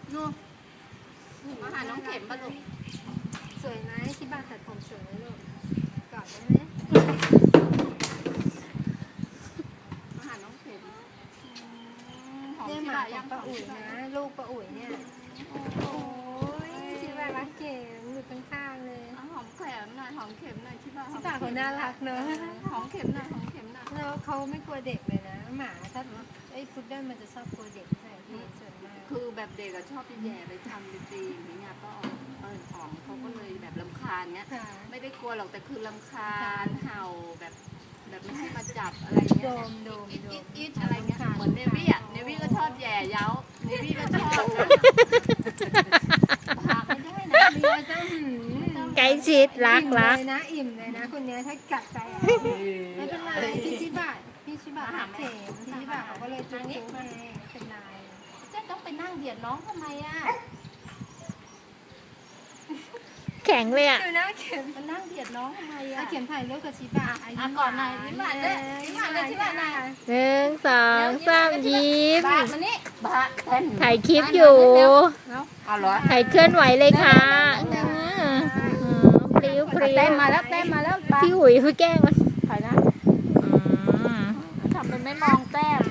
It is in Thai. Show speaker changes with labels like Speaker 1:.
Speaker 1: นู่นมาหาน้องเข็มป่ะลูก
Speaker 2: สวยไหมชิบะตัดผมสวยไหมลูกกอดได้ไหม
Speaker 1: มาหาน้องเข็มหอม
Speaker 2: เนี่ย
Speaker 1: ที่
Speaker 2: ห
Speaker 1: ไหน
Speaker 2: มาข
Speaker 1: ยั
Speaker 2: อง
Speaker 1: ง
Speaker 2: ป้าอุ๋ยนะลูกป้าอุ๋ยเนี่ยโอ้ยชิบะรักเก๋อยู่ข้างๆเลย
Speaker 1: หอมแขมหน่อยหอมเข็มหน่อยชิบะ
Speaker 2: ชิบะเขาน่ารักเนอะ
Speaker 1: หอมเข็มหน่อยหอมเข็มหน่อย
Speaker 2: แล้วเขาไม่กลัวเด็กเลยนะหมาถ้าไอ้พุดเดิ้ลมันจะชอบกลัวเด็กใช่ที่ส่วนมาก
Speaker 1: คือแบบเด็กอะชอบไปแย่ไปทำไปตีอย่างเงี้ยก็หอมเขาก็เลยแบบรำคาญเงี้ย
Speaker 2: ค่ะ
Speaker 1: ไม่ได้กลัวหรอกแต่คือรำคาญเห่าแบบไม่ให้มาจับอะไร
Speaker 2: โด
Speaker 1: เงี้ย
Speaker 2: มโดม
Speaker 1: อิด
Speaker 2: โด
Speaker 1: อิ
Speaker 2: ม
Speaker 1: ดอิดอะไรเงี้ยเหมือนเนวี่อ่ะเนวี่ก็ชอบแย่เย้าเนวี่ก็ชอบนะพาไม่ได้นะ
Speaker 2: เรือจะ
Speaker 3: ใกล้ชิดรัก
Speaker 2: อิ่ม
Speaker 3: รัก
Speaker 2: เลยนะอิ่มเลยนะคนเนี้ยถ้ากัดไปอะไม่เป็นไรพี่ชิบะรักเข็มพี่ชิบะเขาก็เลยจุ๊บจุ๊บให้ไม่เป็นไร
Speaker 1: เจ๊ต้องไปนั่งเบียดน้องทำไมอ่ะ
Speaker 3: แข็งเลยอ่ะ
Speaker 2: ดูนะเข็ม
Speaker 1: มานั่งเบียดน้องทำไมอ่ะ
Speaker 2: เข็มถ่ายรูปกับชิบะ
Speaker 1: ก่อนหน่อยยิ้มหวานด้วยยิ้มหวานด้วยชิบะหน่อย
Speaker 3: 1 2 3 ยิ้ม
Speaker 1: บามานี่บาแทน
Speaker 3: ถ่ายคลิปอยู่
Speaker 1: เอาเหรอ
Speaker 3: ถ่ายเคลื่อนไหวเลยค่ะพริ้วพริ้ว
Speaker 1: เต้มมาแล้วเต้มมาแล้วบา
Speaker 3: พี่หุยคือแกล้งมัน
Speaker 1: ถ่ายนะทำเป็นไม่มองแต้ม